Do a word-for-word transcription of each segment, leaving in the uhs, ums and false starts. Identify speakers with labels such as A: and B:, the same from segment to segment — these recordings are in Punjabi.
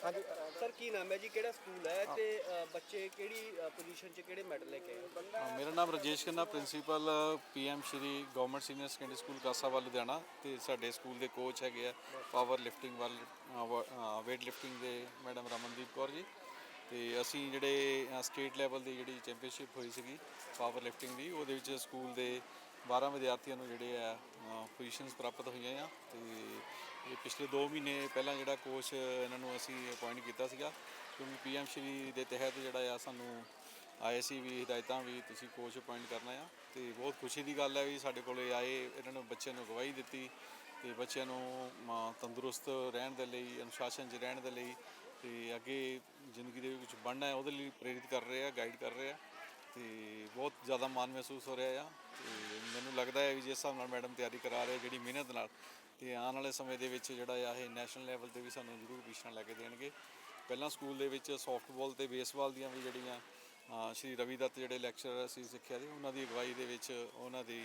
A: हाँ जी सर की नाम है जी किहड़ा स्कूल है ते बच्चे किहड़ी पोजीशन च किहड़े मैडल लेके आए?
B: ਹਾਂ, ਮੇਰਾ ਨਾਮ Rajesh Khanna, principal PM Shri government senior secondary school Kasawal Ludhiana. ਤੇ ਸਾਡੇ ਸਕੂਲ ਦੇ ਕੋਚ ਹੈਗੇ ਆ ਪਾਵਰ ਲਿਫਟਿੰਗ ਵੱਲ ਵੇਟ ਲਿਫਟਿੰਗ ਦੇ ਮੈਡਮ ਰਮਨਦੀਪ ਕੌਰ ਜੀ। ਤੇ ਅਸੀਂ ਜਿਹੜੇ ਸਟੇਟ ਲੈਵਲ ਦੀ ਜਿਹੜੀ ਚੈਂਪੀਅਨਸ਼ਿਪ ਹੋਈ ਸੀਗੀ ਪਾਵਰ ਲਿਫਟਿੰਗ ਦੀ, ਉਹਦੇ ਵਿੱਚ ਸਕੂਲ ਦੇ ਬਾਰਾਂ ਵਿਦਿਆਰਥੀਆਂ ਨੂੰ ਜਿਹੜੇ ਆ ਪੋਜੀਸ਼ਨਸ ਪ੍ਰਾਪਤ ਹੋਈਆਂ ਆ। ਤੇ ਇਹ ਪਿਛਲੇ ਦੋ ਮਹੀਨੇ ਪਹਿਲਾਂ ਜਿਹੜਾ ਕੋਚ ਇਹਨਾਂ ਨੂੰ ਅਸੀਂ ਅਪੁਆਇੰਟ ਕੀਤਾ ਸੀਗਾ, ਕਿਉਂਕਿ ਪੀਐਮ ਸ਼੍ਰੀ ਦੇ ਤਹਿਤ ਜਿਹੜਾ ਆ ਸਾਨੂੰ ਆਏ ਸੀ ਵੀ ਹਦਾਇਤਾਂ ਵੀ ਤੁਸੀਂ ਕੋਚ ਅਪੁਆਇੰਟ ਕਰਨਾ ਆ। ਤੇ ਬਹੁਤ ਖੁਸ਼ੀ ਦੀ ਗੱਲ ਹੈ ਵੀ ਸਾਡੇ ਕੋਲ ਆਏ, ਇਹਨਾਂ ਨੇ ਬੱਚਿਆਂ ਨੂੰ ਅਗਵਾਈ ਦਿੱਤੀ ਤੇ ਬੱਚਿਆਂ ਨੂੰ ਤੰਦਰੁਸਤ ਰਹਿਣ ਦੇ ਲਈ, ਅਨੁਸ਼ਾਸਨ 'ਚ ਰਹਿਣ ਦੇ ਲਈ ਤੇ ਅੱਗੇ ਜ਼ਿੰਦਗੀ ਦੇ ਵਿੱਚ ਬਣਨਾ ਹੈ ਉਹਦੇ ਲਈ ਪ੍ਰੇਰਿਤ ਕਰ ਰਹੇ ਆ, ਗਾਈਡ ਕਰ ਰਹੇ ਆ। ਤੇ ਬਹੁਤ ਜ਼ਿਆਦਾ ਮਾਣ ਮਹਿਸੂਸ ਹੋ ਰਿਹਾ ਆ। ਤੇ ਮੈਨੂੰ ਲੱਗਦਾ ਹੈ ਵੀ ਜਿਸ ਹਿਸਾਬ ਨਾਲ ਮੈਡਮ ਤਿਆਰੀ ਕਰਾ ਰਹੇ ਜਿਹੜੀ ਮਿਹਨਤ ਨਾਲ, ਤੇ ਆਉਣ ਵਾਲੇ ਸਮੇਂ ਦੇ ਵਿੱਚ ਜਿਹੜਾ ਆ ਇਹ ਨੈਸ਼ਨਲ ਲੈਵਲ 'ਤੇ ਵੀ ਸਾਨੂੰ ਜ਼ਰੂਰ ਪੋਜੀਸ਼ਨਾਂ ਲੈ ਕੇ ਦੇਣਗੇ। ਪਹਿਲਾਂ ਸਕੂਲ ਦੇ ਵਿੱਚ ਸੌਫਟਬਾਲ ਅਤੇ ਬੇਸਬਾਲ ਦੀਆਂ ਵੀ ਜਿਹੜੀਆਂ ਸ਼੍ਰੀ ਰਵੀ ਦੱਤ ਜਿਹੜੇ ਲੈਕਚਰਰ ਅਸੀਂ ਸਿੱਖਿਆ ਸੀ, ਉਹਨਾਂ ਦੀ ਅਗਵਾਈ ਦੇ ਵਿੱਚ ਉਹਨਾਂ ਦੀ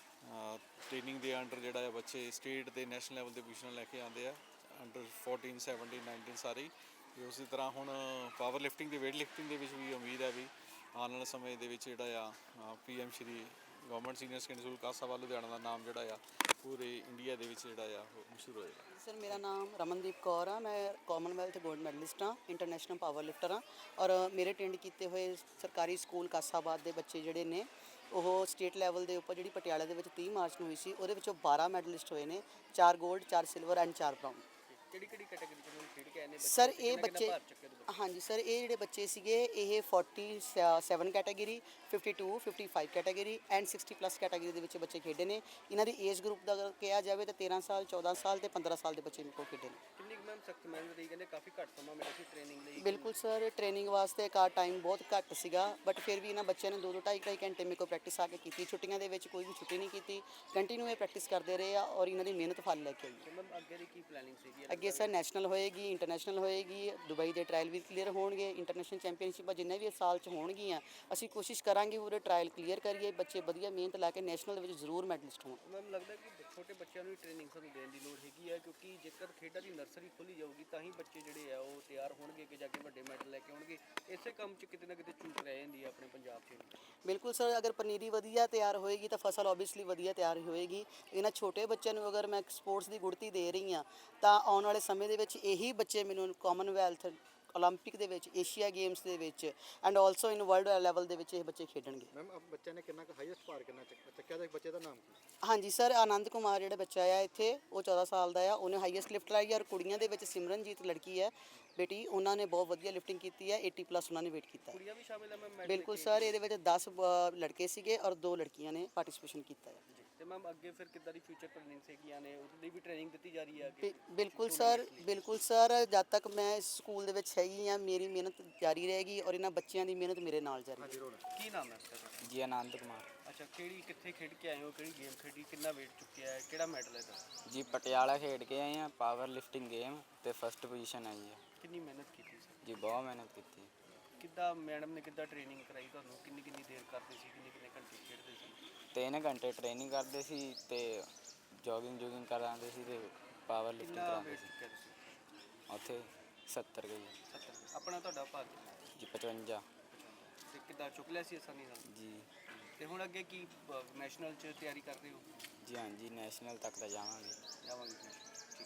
B: ਟ੍ਰੇਨਿੰਗ ਦੇ ਅੰਡਰ ਜਿਹੜਾ ਆ ਬੱਚੇ ਸਟੇਟ ਅਤੇ ਨੈਸ਼ਨਲ ਲੈਵਲ 'ਤੇ ਪੋਜੀਸ਼ਨਾਂ ਲੈ ਕੇ ਆਉਂਦੇ ਆ, ਅੰਡਰ ਫੋਰਟੀਨ ਸੈਵਨਟੀਨ ਨਾਈਨਟੀਨ ਸਾਰੇ ਹੀ। ਅਤੇ ਉਸੇ ਤਰ੍ਹਾਂ ਹੁਣ ਪਾਵਰ ਲਿਫਟਿੰਗ ਅਤੇ ਵੇਟ ਲਿਫਟਿੰਗ ਦੇ ਵਿੱਚ ਵੀ ਉਮੀਦ ਹੈ ਵੀ ਆਉਣ ਵਾਲੇ ਸਮੇਂ ਦੇ ਵਿੱਚ ਜਿਹੜਾ ਆ P M Shri government senior secondary school Kasawal Ludhiana ਦਾ ਨਾਮ ਜਿਹੜਾ ਆ ਪੂਰੇ ਇੰਡੀਆ ਦੇ ਵਿੱਚ ਜਿਹੜਾ ਆ ਉਹ ਮਸ਼ਹੂਰ ਹੋਏਗਾ।
C: ਸਰ ਮੇਰਾ ਨਾਮ ਰਮਨਦੀਪ ਕੌਰ ਆ, ਮੈਂ ਕਾਮਨਵੈਲਥ ਗੋਲਡ ਮੈਡਲਿਸਟ ਹਾਂ, ਇੰਟਰਨੈਸ਼ਨਲ ਪਾਵਰ ਲਿਫਟਰ ਹਾਂ। ਔਰ ਮੇਰੇ ਅਟੈਂਡ ਕੀਤੇ ਹੋਏ ਸਰਕਾਰੀ ਸਕੂਲ ਕਾਸਾਬਾਦ ਦੇ ਬੱਚੇ ਜਿਹੜੇ ਨੇ ਉਹ ਸਟੇਟ ਲੈਵਲ ਦੇ ਉੱਪਰ ਜਿਹੜੀ ਪਟਿਆਲੇ ਦੇ ਵਿੱਚ ਤੀਹ ਮਾਰਚ ਨੂੰ ਹੋਈ ਸੀ, ਉਹਦੇ ਵਿੱਚੋਂ ਬਾਰਾਂ ਮੈਡਲਿਸਟ ਹੋਏ ਨੇ, ਚਾਰ ਗੋਲਡ, ਚਾਰ ਸਿਲਵਰ ਐਂਡ ਚਾਰ ਬਰਾਊਨ।
A: ਕਿਹੜੀ ਕਿਹੜੀ ਕੈਟਾਗਰੀ 'ਚ ਖੇਡ ਕੇ ਆਏ ਨੇ
C: ਸਰ ਇਹ ਬੱਚੇ, ਹਾਂਜੀ ਸਰ ਇਹ ਜਿਹੜੇ ਬੱਚੇ ਸੀਗੇ ਇਹ forty seven category, fifty two, fifty five category and sixty plus category ਦੇ ਵਿੱਚ ਬੱਚੇ ਖੇਡੇ ਨੇ। ਇਹਨਾਂ ਦੀ ਏਜ ਗਰੁੱਪ ਦਾ ਅਗਰ ਕਿਹਾ ਜਾਵੇ ਤਾਂ ਤੇਰ੍ਹਾਂ ਸਾਲ, ਚੌਦਾਂ ਸਾਲ ਤੇ ਪੰਦਰਾਂ ਸਾਲ ਦੇ ਬੱਚੇ ਮੇਰੇ ਕੋਲ ਖੇਡੇ ਨੇ।
A: ਕਿੰਨੀ ਕੁ ਮੈਮ ਸਖਤ ਮਿਹਨਤ ਰਹੀ, ਕਹਿੰਦੇ ਕਾਫੀ ਘੱਟ ਸਮਾਂ ਮਿਲਿਆ ਸੀ ਟ੍ਰੇਨਿੰਗ ਲਈ?
C: ਬਿਲਕੁਲ ਸਰ, ਟ੍ਰੇਨਿੰਗ ਵਾਸਤੇ ਕਾ ਟਾਈਮ ਬਹੁਤ ਘੱਟ ਸੀਗਾ, ਬਟ ਫਿਰ ਵੀ ਇਹਨਾਂ ਬੱਚਿਆਂ ਨੇ ਦੋ ਦੋ ਢਾਈ ਢਾਈ ਘੰਟੇ ਮੇਰੇ ਕੋਲ ਪ੍ਰੈਕਟਿਸ ਆ ਕੇ ਕੀਤੀ। ਛੁੱਟੀਆਂ ਦੇ ਵਿੱਚ ਕੋਈ ਵੀ ਛੁੱਟੀ ਨਹੀਂ ਕੀਤੀ, ਕੰਟੀਨਿਊ ਇਹ ਪ੍ਰੈਕਟਿਸ ਕਰਦੇ ਰਹੇ ਆ ਔਰ ਇਹਨਾਂ ਦੀ ਮਿਹਨਤ ਫਲ ਲੈ ਕੇ ਆਈ ਹੈ।
A: ਮੈਮ ਅੱਗੇ ਦੀ ਕੀ ਪਲੈਨਿੰਗ ਸੀਗੀ?
C: ਅੱਗੇ ਸਰ ਨੈਸ਼ਨਲ ਹੋਏਗੀ, ਇੰਟਰਨੈਸ਼ਨਲ ਹੋਏਗੀ, ਦੁਬਈ ਦੇ ਟਰਾਇਲ ਵੀ ਕਲੀਅਰ ਹੋਣਗੇ, ਇੰਟਰਨੈਸ਼ਨਲ ਚੈਂਪੀਅਨਸ਼ਿਪਾਂ ਜਿੰਨੇ ਵੀ ਇਸ ਸਾਲ 'ਚ ਹੋਣਗੀਆਂ ਅਸੀਂ ਕੋਸ਼ਿਸ਼ ਕਰਾਂਗੇ ਪੂਰੇ ਟਰਾਇਲ ਕਲੀਅਰ ਕਰੀਏ, ਬੱਚੇ ਵਧੀਆ ਮਿਹਨਤ ਲਾ ਕੇ ਨੈਸ਼ਨਲ ਦੇ ਵਿੱਚ ਜ਼ਰੂਰ ਮੈਡਲਿਸਟ ਹੋਣ।
A: ਮੈਮ ਲੱਗਦਾ ਕਿ ਛੋਟੇ ਬੱਚਿਆਂ ਨੂੰ ਟ੍ਰੇਨਿੰਗ ਸਾਨੂੰ ਦੇਣ ਦੀ ਲੋੜ ਹੈਗੀ ਹੈ, ਕਿਉਂਕਿ ਜੇਕਰ ਖੇਡਾਂ ਦੀ ਨਰਸਰੀ ਖੋਲ੍ਹੀ ਜਾਊਗੀ ਤਾਂ ਹੀ ਬੱਚੇ ਜਿਹੜੇ ਆ ਉਹ ਤਿਆਰ ਹੋਣਗੇ ਕਿ ਜਾ ਕੇ ਵੱਡੇ ਮੈਡਲ ਲੈ ਕੇ ਆਉਣਗੇ। ਇਸੇ ਕੰਮ 'ਚ ਕਿਤੇ ਨਾ ਕਿਤੇ ਚੂਕ ਰਹਿ ਜਾਂਦੀ ਹੈ ਆਪਣੇ ਪੰਜਾਬ 'ਚ।
C: ਬਿਲਕੁਲ ਸਰ, ਅਗਰ ਪਨੀਰੀ ਵਧੀਆ ਤਿਆਰ ਹੋਏਗੀ ਤਾਂ ਫਸਲ ਓਬਵੀਅਸਲੀ ਵਧੀਆ ਤਿਆਰ ਹੋਏਗੀ। ਇਹਨਾਂ ਛੋਟੇ ਬੱਚਿਆਂ ਨੂੰ ਅਗਰ ਮੈਂ ਸਪੋਰਟਸ ਦੀ ਗੁੜਤੀ ਦੇ ਰਹੀ ਹਾਂ ਤਾਂ ਆਉਣ ਵਾਲੇ ਸਮੇਂ ਦੇ ਵਿੱਚ ਇਹੀ ਬੱਚੇ ਮੈਨੂੰ ਕਾਮਨਵੈਲਥ, ਓਲੰਪਿਕ ਦੇ ਵਿੱਚ, ਏਸ਼ੀਆ ਗੇਮਸ ਦੇ ਵਿੱਚ and also in world level ਦੇ ਵਿੱਚ ਇਹ ਬੱਚੇ ਖੇਡਣਗੇ।
D: ਮੈਮ ਅਬ ਬੱਚੇ ਨੇ ਕਿੰਨਾ ਕੁ ਹਾਈਐਸਟ ਭਾਰ ਕਿੰਨਾ ਚੱਕਿਆ ਦਾ? ਬੱਚੇ ਦਾ ਨਾਮ ਕੀ?
C: ਹਾਂਜੀ ਸਰ, ਆਨੰਦ ਕੁਮਾਰ ਜਿਹੜਾ ਬੱਚਾ ਆ ਇੱਥੇ ਉਹ ਚੌਦਾਂ ਸਾਲ ਦਾ ਆ, ਉਹਨੇ ਹਾਈਐਸਟ ਲਿਫਟ ਲਾਈ। ਔਰ ਕੁੜੀਆਂ ਦੇ ਵਿੱਚ ਸਿਮਰਨਜੀਤ ਲੜਕੀ ਹੈ ਬੇਟੀ, ਉਹਨਾਂ ਨੇ ਬਹੁਤ ਵਧੀਆ ਲਿਫਟਿੰਗ ਕੀਤੀ ਹੈ, ਅੱਸੀ ਪਲੱਸ ਉਹਨਾਂ ਨੇ ਵੇਟ ਕੀਤਾ।
A: ਕੁੜੀਆਂ ਵੀ ਸ਼ਾਮਿਲ ਹੈ ਮੈਮ?
C: ਬਿਲਕੁਲ ਸਰ, ਇਹਦੇ ਵਿੱਚ ਦਸ ਲੜਕੇ ਸੀਗੇ ਔਰ ਦੋ ਲੜਕੀਆਂ ਨੇ ਪਾਰਟਿਸਿਪੇਸ਼ਨ ਕੀਤਾ ਹੈ।
A: ਤੇ ਮੈਮ ਅੱਗੇ ਫਿਰ ਕਿੱਦਾਂ ਦੀ ਫਿਊਚਰ ਪਲੈਨਿੰਗ ਸੀਗੀਆਂ ਨੇ, ਉਹਦੀ ਵੀ ਟ੍ਰੇਨਿੰਗ ਦਿੱਤੀ ਜਾ ਰਹੀ ਹੈ?
C: ਬਿਲਕੁਲ ਸਰ, ਬਿਲਕੁਲ ਸਰ, ਜਦ ਤੱਕ ਮੈਂ ਇਸ ਸਕੂਲ ਦੇ ਵਿੱਚ ਹੈਗੀ ਹਾਂ ਮੇਰੀ ਮਿਹਨਤ ਜਾਰੀ ਰਹੇਗੀ ਔਰ ਇਹਨਾਂ ਬੱਚਿਆਂ ਦੀ ਮਿਹਨਤ ਮੇਰੇ ਨਾਲ ਜਾਰੀ ਰਹੇਗੀ।
A: ਕੀ ਨਾਮ ਹੈ ਸਰ?
E: ਜੀ ਆਨੰਦ ਕੁਮਾਰ।
A: ਅੱਛਾ, ਕਿਹੜੀ ਕਿੱਥੇ ਖੇਡ ਕੇ ਆਏ ਹੋ, ਕਿਹੜੀ ਗੇਮ ਖੇਡੀ, ਕਿੰਨਾ ਵੇਟ ਚੁੱਕਿਆ ਹੈ, ਕਿਹੜਾ ਮੈਡਲ ਹੈ ਤੁਹਾਡਾ?
E: ਜੀ ਪਟਿਆਲਾ ਖੇਡ ਕੇ ਆਏ ਹਾਂ, ਪਾਵਰ ਲਿਫਟਿੰਗ ਗੇਮ ਤੇ ਫਸਟ ਪੋਜੀਸ਼ਨ ਆਈ ਹੈ।
A: ਕਿੰਨੀ ਮਿਹਨਤ ਕੀਤੀ ਸਰ?
E: ਜੀ ਬਹੁਤ ਮਿਹਨਤ ਕੀਤੀ।
A: ਕਿੱਦਾਂ ਮੈਡਮ ਨੇ ਕਿੱਦਾਂ ਟ੍ਰੇਨਿੰਗ ਕਰਾਈ ਤੁਹਾਨੂੰ? ਕਿੰਨੀ ਕਿੰਨੀ ਦੇਰ ਕਰਦੇ ਸੀ, ਕਿੰਨੇ ਕਿੰਨੇ ਘੰਟੇ ਖੇਡਦੇ ਸੀ?
E: ਤਿੰਨ ਘੰਟੇ ਟ੍ਰੇਨਿੰਗ ਕਰਦੇ ਸੀ ਤੇ ਜੋਗਿੰਗ ਜੋਗਿੰਗ ਕਰਾਉਂਦੇ ਸੀ ਤੇ ਪਾਵਰ ਲਿਫਟਿੰਗ
A: ਕਿੰਨਾ
E: ਕਰਾਉਂਦੇ
A: ਵੇਟ
E: ਸੀ।
A: ਚੁੱਕਿਆ ਤੁਸੀਂ?
E: ਉੱਥੇ ਸੱਤਰ ਗਈ
A: ਸੱਤਰ। ਆਪਣਾ ਤੁਹਾਡਾ ਭਾਗ?
E: ਜੀ ਪਚਵੰਜਾ।
A: ਤੇ ਕਿੱਦਾਂ ਚੁੱਕ ਲਿਆ ਸੀ ਆਸਾਨੀ ਨਾਲ?
E: ਜੀ
A: ਤੇ ਹੁਣ ਅੱਗੇ ਕੀ ਨੈਸ਼ਨਲ 'ਚ ਤਿਆਰੀ ਕਰ ਰਹੇ ਹੋ?
E: ਜੀ ਹਾਂਜੀ, ਨੈਸ਼ਨਲ ਤੱਕ ਤਾਂ ਜਾਵਾਂਗੇ।
A: ਜਾਵਾਂਗੇ। ਠੀਕ।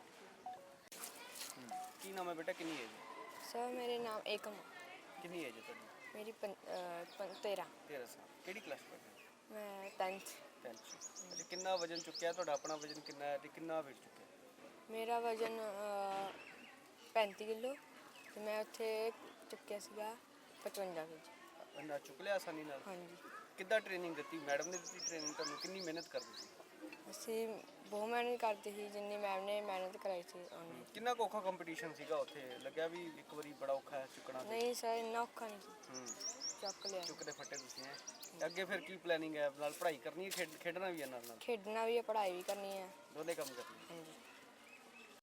A: ਕੀ ਨਾਮ ਹੈ ਬੇਟਾ, ਕਿੰਨੀ ਏਜ?
F: ਸਰ ਮੇਰੇ ਨਾਮ ਏਕਮ।
A: ਕਿੰਨੀ ਏਜ ਹੈ ਤੁਹਾਡੀ?
F: ਮੇਰੀ ਪੰ ਤੇਰ੍ਹਾਂ।
A: ਤੇਰ੍ਹਾਂ ਸਾਲ। ਕਿਹੜੀ ਕਲਾਸ ਪੜ੍ਹਦੇ ਹੋ?
F: ਮੈਂ ਟੈਂਥ।
A: ਟੈਂਥ 'ਚ। ਅੱਛਾ, ਕਿੰਨਾ ਵਜਨ ਚੁੱਕਿਆ ਤੁਹਾਡਾ? ਆਪਣਾ ਵਜਨ ਕਿੰਨਾ ਹੈ ਤੇ ਕਿੰਨਾ ਵੇਟ ਚੁੱਕਿਆ?
F: ਮੇਰਾ ਵਜਨ ਪੈਂਤੀ ਕਿਲੋ ਤੇ ਮੈਂ ਉੱਥੇ ਚੁੱਕਿਆ ਸੀਗਾ ਪਚਵੰਜਾ ਕਿਲੋ।
A: ਇੰਨਾ ਚੁੱਕ ਲਿਆ ਆਸਾਨੀ ਨਾਲ?
F: ਹਾਂਜੀ।
A: ਕਿੱਦਾਂ ਟ੍ਰੇਨਿੰਗ ਦਿੱਤੀ ਮੈਡਮ ਨੇ? ਦਿੱਤੀ ਟ੍ਰੇਨਿੰਗ ਤੁਹਾਨੂੰ? ਕਿੰਨੀ ਮਿਹਨਤ ਕਰਦੇ ਸੀ?
F: ਅਸੀਂ ਬਹੁਤ ਮਿਹਨਤ ਕਰਦੇ ਸੀ, ਜਿੰਨੀ ਮੈਮ ਨੇ ਮਿਹਨਤ ਕਰਾਈ ਸੀ ਉਹਨੇ।
A: ਕਿੰਨਾ ਕੁ ਔਖਾ ਕੰਪੀਟੀਸ਼ਨ ਸੀਗਾ ਉੱਥੇ? ਲੱਗਿਆ ਵੀ ਇੱਕ ਵਾਰੀ ਬੜਾ ਔਖਾ ਹੈ ਚੁੱਕਣਾ?
F: ਨਹੀਂ ਸਰ, ਇੰਨਾ ਔਖਾ ਨਹੀਂ ਸੀ,
A: ਹੂੰ,
F: ਚੱਕ ਲਿਆ।
A: ਚੁੱਕਦੇ ਫੱਟੇ ਤੁਸੀਂ ਹੈ। ਅੱਗੇ ਫਿਰ ਕੀ ਪਲੈਨਿੰਗ ਹੈ? ਨਾਲ ਪੜ੍ਹਾਈ ਕਰਨੀ ਹੈ, ਖੇਡ ਖੇਡਣਾ ਵੀ ਹੈ ਨਾਲ ਨਾਲ?
F: ਖੇਡਣਾ ਵੀ ਹੈ, ਪੜ੍ਹਾਈ ਵੀ ਕਰਨੀ ਹੈ।
A: ਦੋਨੇ ਕੰਮ ਕਰਨੇ?
F: ਹਾਂਜੀ।